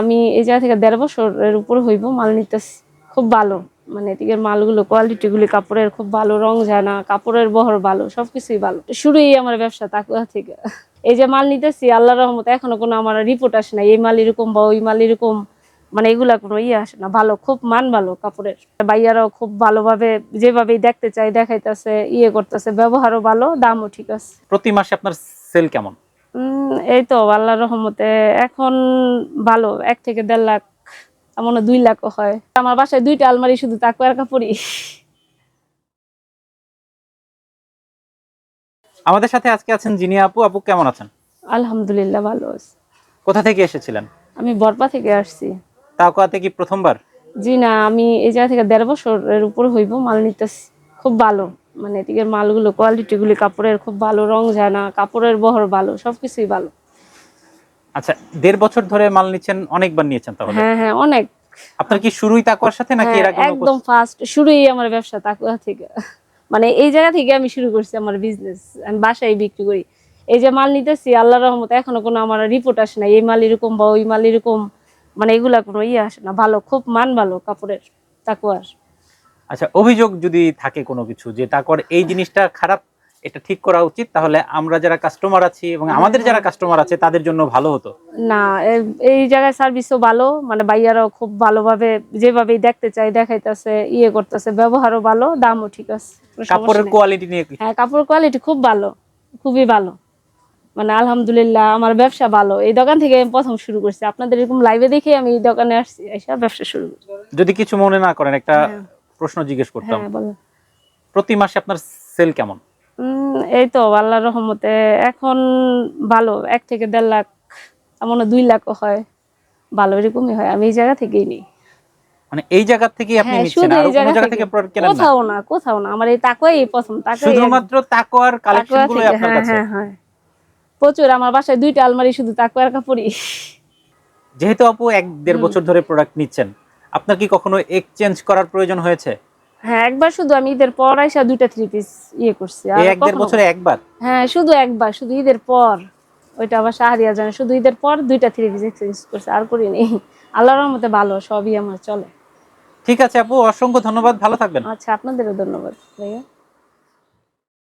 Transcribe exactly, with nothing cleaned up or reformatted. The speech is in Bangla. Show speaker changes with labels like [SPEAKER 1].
[SPEAKER 1] আমি এই জায়গা থেকে দেড় বছরের উপর হইব মাল নিতেছি। খুব ভালো, মানে এদিকের মালগুলো কোয়ালিটি গুলি কাপড়ের খুব ভালো, রং যায় না, কাপড়ের বহর ভালো, সবকিছুই ভালো। শুরুই আমার ব্যবসা তাকুয়া থেকে। এই যে মাল নিতেছি আল্লাহর রহমতে এখনো কোনো আমার রিপোর্ট আসে না এই মাল এরকম বা ওই মাল এরকম, মানে এগুলা কোনো ইয়ে আসে না। ভালো, খুব মান ভালো কাপড়ের। ভাইয়ারাও খুব ভালোভাবে যেভাবেই দেখতে চাই দেখাইতেছে, ইয়ে করতেছে, ব্যবহারও ভালো, দামও ঠিক আছে।
[SPEAKER 2] প্রতি মাসে আপনার সেল কেমন?
[SPEAKER 1] উম এই তো আল্লাহর রহমতে এখন ভালো, এক থেকে দেড় লাখ, এমন দুই লাখও হয়। আমার বাসায় দুইটা আলমারি শুধু তাকুয়ার কাপড়ই।
[SPEAKER 2] আমাদের সাথে আজকে আছেন জিনিয়া আপু। আপু কেমন আছেন?
[SPEAKER 1] আলহামদুলিল্লাহ ভালো আছি।
[SPEAKER 2] কোথা থেকে এসেছিলেন?
[SPEAKER 1] আমি বরপা থেকে আসছি।
[SPEAKER 2] তাকুয়াতে কি প্রথমবার?
[SPEAKER 1] জি না, আমি এই জায়গা থেকে দেড় বছরের উপর হইব মাল নিতেছি। খুব ভালো, মানে এদিকের মালগুলো কোয়ালিটি গুলি কাপড়ের খুব ভালো, রং যায় না, কাপড়ের বহর ভালো, সবকিছুই ভালো।
[SPEAKER 2] আচ্ছা, দেড় বছর ধরে মাল নিচ্ছেন, অনেকবার নিয়েছেন তাহলে?
[SPEAKER 1] হ্যাঁ হ্যাঁ অনেক।
[SPEAKER 2] আপনার কি শুরুই তাকুয়ার সাথে নাকি এর আগে?
[SPEAKER 1] একদম ফার্স্ট শুরুই আমার ব্যবসা তাকুয়া থেকে। মানে এই জায়গা থেকে আমি শুরু করছি আমার বিজনেস। আমি বাসায় বিক্রি করি। এই যে মাল নিতেছি আল্লাহর রহমতে এখনো কোনো আমার রিপোর্ট আসে না এই মাল এরকম বা ওই মাল এরকম, মানে এগুলা কোনো ইয়ে আসে না। ভালো, খুব মান ভালো কাপড়ের তাকুয়ার।
[SPEAKER 2] আচ্ছা, অভিযোগ যদি থাকে কোনো কিছু যে তাকুয়ার এই জিনিসটা খারাপ, এটা ঠিক করা উচিত, তাহলে আমরা যারা কাস্টমার আছি এবং আমাদের যারা কাস্টমার আছে তাদের জন্য ভালো হতো।
[SPEAKER 1] না, এই জায়গায় সার্ভিসও ভালো, মানে ভাইয়ারাও খুব ভালোভাবে যেভাবেই দেখতে চাই দেখাইতেছে, ইয়ে করতেছে, ব্যবহারও ভালো, দামও ঠিক আছে।
[SPEAKER 2] কাপড়ের কোয়ালিটি নিয়ে কি?
[SPEAKER 1] হ্যাঁ, কাপড়ের কোয়ালিটি খুব ভালো, খুবই ভালো। মানে আলহামদুলিল্লাহ আমার ব্যবসা ভালো। এই দোকান থেকে আমি প্রথম শুরু করছি, আপনাদের এরকম লাইভে দেখে আমি এই দোকানে আসছি, এসে ব্যবসা শুরু করছি।
[SPEAKER 2] যদি কিছু মনে না করেন একটা প্রশ্ন জিজ্ঞেস করতাম।
[SPEAKER 1] হ্যাঁ বলেন।
[SPEAKER 2] প্রতি মাসে আপনার সেল কেমন?
[SPEAKER 1] উম এই তো আল্লাহর রহমতে এখন ভালো, এক থেকে দেড় লাখ, এমন দুই লাখও হয়। ভালো, এরকমই হয়। আমি এই জায়গা থেকেই নিই।
[SPEAKER 2] মানে এই জায়গা থেকে আপনি
[SPEAKER 1] হ্যাঁ,
[SPEAKER 2] নিচ্ছেন,
[SPEAKER 1] শুধু
[SPEAKER 2] আর
[SPEAKER 1] এই
[SPEAKER 2] কোনো
[SPEAKER 1] জায়গা
[SPEAKER 2] জায়গা
[SPEAKER 1] থেকে,
[SPEAKER 2] থেকে প্রোডাক্ট কেনেন না?
[SPEAKER 1] কোথাও না, কোথাও না। আমার এই তাকুয়াই প্রথম, তাকুয়াই
[SPEAKER 2] শুধুমাত্র তাকুয়ার কালেকশন
[SPEAKER 1] তাকুয়া
[SPEAKER 2] গুলোই
[SPEAKER 1] থেকে।
[SPEAKER 2] আপনার
[SPEAKER 1] হ্যাঁ
[SPEAKER 2] কাছে?
[SPEAKER 1] হ্যাঁ হ্যাঁ প্রচুর। আমার বাসায় দুইটা আলমারি শুধু তাকুয়ার কাপড়ই।
[SPEAKER 2] যেহেতু আপু এক দেড় বছর ধরে প্রোডাক্ট নিচ্ছেন, আপনার কি কখনো এক্সচেঞ্জ করার প্রয়োজন হয়েছে?
[SPEAKER 1] হ্যাঁ, একবার শুধু আমি ঈদের পর আইসা দুইটা থ্রি পিস ইয়ে করছি। আর
[SPEAKER 2] এই এক দেড়
[SPEAKER 1] কখনো,
[SPEAKER 2] বছরে একবার?
[SPEAKER 1] হ্যাঁ শুধু একবার, শুধু ঈদের পর। ওইটা আবার শাহরিয়া জানে, শুধু ঈদের পর দুইটা থ্রি পিস এক্সচেঞ্জ করছে, আর করিনি। আল্লাহর রহমতে ভালো, সবই আমার চলে।
[SPEAKER 2] ঠিক আছে আপু, অসংখ্য ধন্যবাদ, ভালো থাকবেন।
[SPEAKER 1] আচ্ছা, আপনাদেরও ধন্যবাদ ভাইয়া।